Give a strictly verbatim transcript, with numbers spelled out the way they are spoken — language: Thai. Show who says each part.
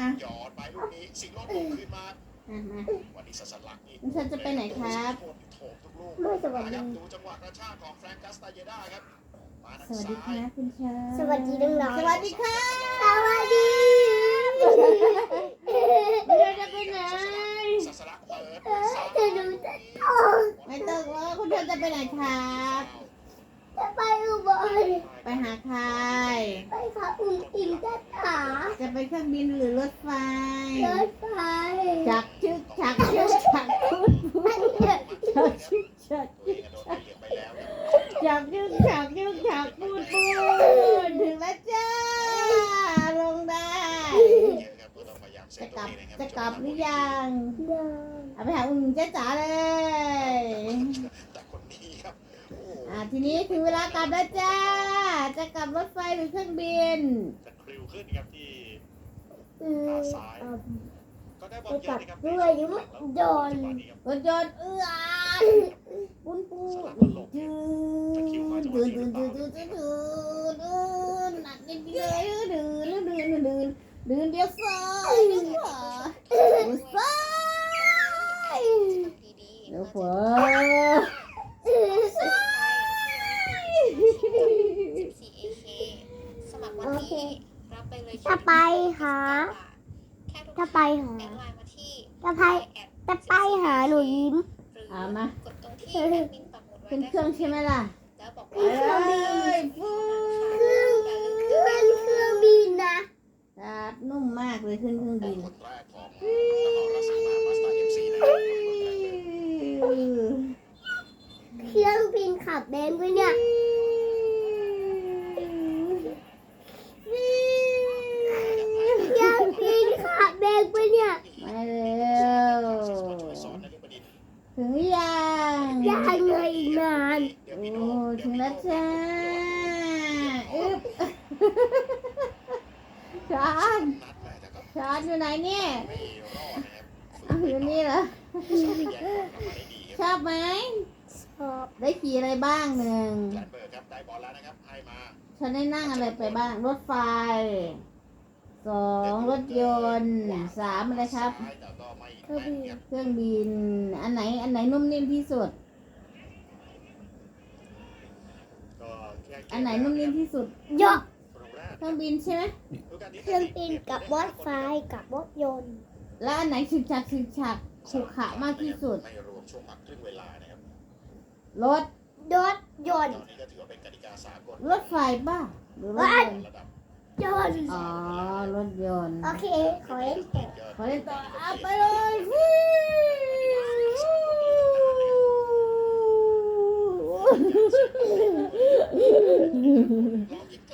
Speaker 1: อ่ะ
Speaker 2: หยอดไปลูกนี้สิงห์โลดโผล่ขึ้นมา
Speaker 1: อ่ะมา
Speaker 2: วันนี้สัสลักนี่
Speaker 1: คุณชันจะไปไหนครับ
Speaker 2: โถมทุกลูก
Speaker 3: ไม่สวัสดี
Speaker 2: ครับดูจังหวะกระชากของแฟรงกัสตาเยด้าครับมาทาง
Speaker 1: สวัสดี
Speaker 2: ซ้าย
Speaker 1: ครับคุณชัน
Speaker 3: สวัสดีน้องๆ
Speaker 1: สวัสดีค่ะ
Speaker 3: สวัสดี
Speaker 1: คุณชันจะไปไหน
Speaker 2: สัสลักเปิด
Speaker 3: จะดูจะต้อง
Speaker 1: ไม่ต้องว่าคุณชันจะไปไหนครับ
Speaker 3: จะไปอุบล
Speaker 1: ไปหาใคร
Speaker 3: ไปขับอุ้มอิงจะถา
Speaker 1: จะไปเครื่องบินหรือรถไฟ
Speaker 3: รถไฟ
Speaker 1: จักชึกจักชึกจักพูดพูดจักชึกจัก
Speaker 2: ตัวเองโดนเหยียบไปแล้วครับ
Speaker 1: จักชึกจักชึกจักพูดพูดถึงแล้วจ้าลงได้
Speaker 2: เยอะครับก็ต้องพยายามเซ
Speaker 1: จะ
Speaker 2: ฟ
Speaker 1: ก
Speaker 2: ตัว
Speaker 1: ลับ
Speaker 2: เองนะครับ
Speaker 1: จะกลับหรือยัง
Speaker 3: ยัง
Speaker 1: เอาไปหาอุ่นเจ๊จ๋าเลย
Speaker 2: แต่คนนี้ครับโอ้โห
Speaker 1: อ่าทีนี้ถึงเวลากลับแล้วจ้า จะกลับรถไฟหรือเครื่องบิน
Speaker 2: จะคลิวขึ้นครับที่
Speaker 3: อืม
Speaker 2: ก็ได้บอลเยอะนะครับ
Speaker 3: ด้วยยุโดน
Speaker 1: รถยนต์เอื้อปุ้นปูยืนยืนยืนยืนยืนยืนยืนยืนหนักนิดเดียวยืนยืนยืนยืนยืนยืนเดียวซ้ายเดียวขวาเดียวซ้ายเดียวขวา
Speaker 4: สิบสี่ เอ เค สมัครวันนี้รับไปเลย
Speaker 3: จะไปหา
Speaker 4: แค่ทุก
Speaker 3: จะไปหา
Speaker 4: แอดไลน์มาที่
Speaker 3: จะไปจะไปหาหนูยิ้ม
Speaker 4: หรือ
Speaker 1: เอามา
Speaker 4: กดตรงที่แอดมินปักหมุดไว้
Speaker 1: ขึ้น
Speaker 4: ได้
Speaker 1: เครื่องใช่ไหมล่ะ
Speaker 4: แล้วบอก
Speaker 1: เอ้
Speaker 4: ว่าย
Speaker 1: ฟู
Speaker 3: เครื่องเครื่องเครื่องบินนะ
Speaker 1: ครับนุ่มมากเลยขึ้นเครื่องบิน
Speaker 2: คนแรกของนครราชสีมามาสเตอร์เอ็มซีนะครับคนแรกเลย
Speaker 3: เครื่องบินขับเบนด้วยเนี่ยเครื่องบินขับเบนด้วยเนี่ย
Speaker 1: มาเร็ว
Speaker 2: สอนนฤบดินทร์
Speaker 1: ถึงหรือยัง
Speaker 3: ยังไงอีกนาน
Speaker 2: เดี๋ยว
Speaker 1: โอ้
Speaker 2: พี่โน่
Speaker 1: ถึงแล้วจ้าอึ๊บชาน
Speaker 2: นัดแม่แต่ก็
Speaker 1: ชานอยู่ไหนเนี่ย
Speaker 2: ไม่รอดนะครับ
Speaker 1: อ้าวอยู่นี่เหรอ
Speaker 2: สามารถแยกบอลกลับมาได้ดี
Speaker 1: ช
Speaker 2: ครับ
Speaker 1: อบไหม
Speaker 3: ชอบ
Speaker 1: ได้ขี่อะไรบ้างหนึ่ง
Speaker 2: แลนเบิร์กครับได้บอลแล้วนะครับให้มา
Speaker 1: ฉันได้นั่งอะไรไปบ้าง รถไฟสองรถยนต์สามอะไรครับ
Speaker 2: ซ้ายแต่ก็ไม่แม่นครับ
Speaker 1: เครื่องบิน อันไหน อันไหนนุ่มนิ่มที่สุด
Speaker 2: ก็แค่เกม
Speaker 1: อันไหนนุ่มนิ่มที่สุด
Speaker 3: ยก
Speaker 2: คนแรก
Speaker 1: เครื่องบินใช่ไหม
Speaker 3: เครื่องบินกับรถไฟกับรถยนต์
Speaker 1: แล้วอันไหนฉึกฉักฉึกฉักขรุขระมากที่สุด
Speaker 2: ไม่รวมช่วงพักครึ่งเวลานะครับ
Speaker 1: รถ
Speaker 3: รถยน
Speaker 2: ต
Speaker 3: ต์
Speaker 2: อนนี้ก็ถือว่าเป็นกติกาสากล
Speaker 1: รถไฟป่ะ หรือรถยนต์
Speaker 2: ระดับ
Speaker 3: ยนต์
Speaker 1: อ๋อ รถยนต์
Speaker 3: โอเค ขอเล่นต่อ
Speaker 1: ขอเล่นต่อเอาไปเลยฟิว
Speaker 2: ลองยิง